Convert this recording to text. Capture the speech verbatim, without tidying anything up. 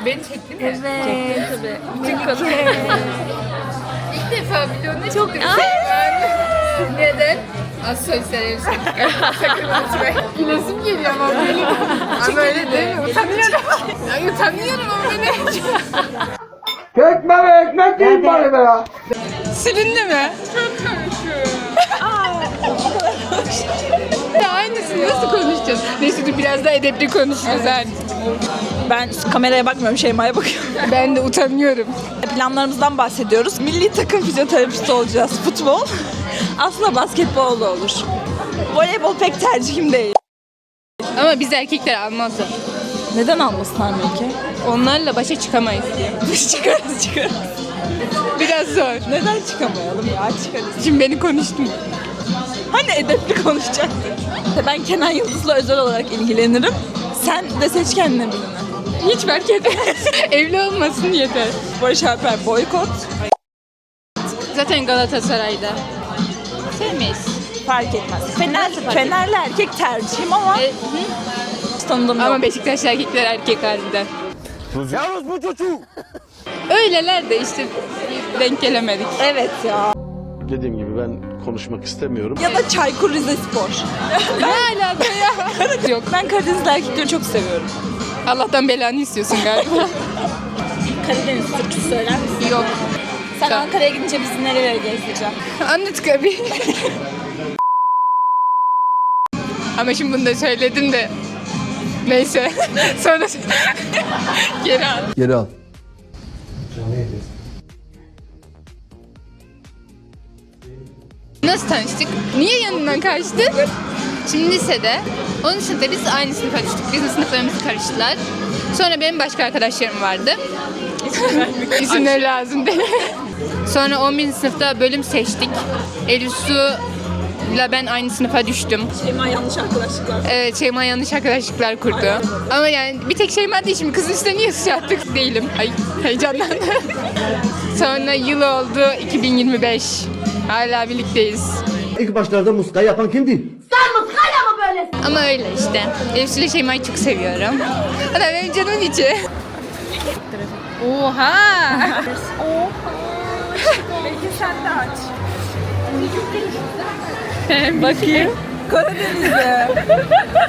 Beni çekti mi? Evet. Tabii. Bütün konu. İlk defa videonun Çok neden? Az sosyal sakın unutmayın. Gülesim geliyor ama benim. Ama öyle değil mi? Utanıyorum. Ya utanıyorum ama beni. Ekmek ekmek değil bari be ya. Silindi mi? Çok konuşuyor. Ya aynısını nasıl konuşacağız? Neyse dur biraz daha edepli konuşuruz hadi. Ben kameraya bakmıyorum, Şeyma'ya bakıyorum. Ben de utanıyorum. Planlarımızdan bahsediyoruz. Milli takım fizyoterapisti olacağız. Futbol. Aslında basketbol da olur. Voleybol pek tercihim değil. Ama biz erkekler almazlar. Neden almasınlar belki? Onlarla başa çıkamayız diye. Biz çıkarız çıkarız. Biraz zor. Neden çıkamayalım ya? Çıkarız. Şimdi beni konuştum. Hani edepli konuşacaktık. Ben Kenan Yıldız'la özel olarak ilgilenirim. Sen de seç kendine birini. Hiç fark etmez. Evli olmasın yeter. Barış Alper boykot. Zaten Galatasaray'da. Sevmeyiz. Fark etmez. Fener, Fenerli erkek tercihim ama E, tanıdığım ama yok. Beşiktaşlı erkekler erkek halinden. Yalnız bu çocuğu. Öyleler de işte denk gelemedik. Evet ya. Dediğim gibi ben konuşmak istemiyorum. Ya da Çaykur Rizespor. Ne alaka ya? Yok. Ben Karadenizli erkekleri çok seviyorum. Allah'tan belanı istiyorsun galiba. Karadeniz türküsü söyler misin? Yok. Sen Tamam. Ankara'ya gidince bizi nerelere gezdireceğim? Anlat abi. Ama şimdi bunu da söyledim de. Neyse. Sonra geri al. Geri al. Nasıl tanıştık? Niye yanından kaçtın? Şimdi lisede, onun sınıfta biz aynı sınıfa düştük. Bizim sınıflarımızı karıştılar. Sonra benim başka arkadaşlarım vardı. İsimleri lazım değil. Sonra on birinci sınıfta bölüm seçtik. Elif Su'yla ben aynı sınıfa düştüm. Şeyma yanlış arkadaşlıklar. Evet, Şeyma yanlış arkadaşlıklar kurdu. Ama yani bir tek Şeyma değil, şimdi kızın üstüne niye suç attık değilim. Ay heyecanlandım. Sonra yıl oldu iki bin yirmi beş. Hala birlikteyiz. İlk başlarda muska yapan kimdi? Ama öyle işte. Elif ile Şeyma'yı çok seviyorum. O da benim canımın içi. Oha! Belki sen de aç. Bakayım. Karadeniz'de.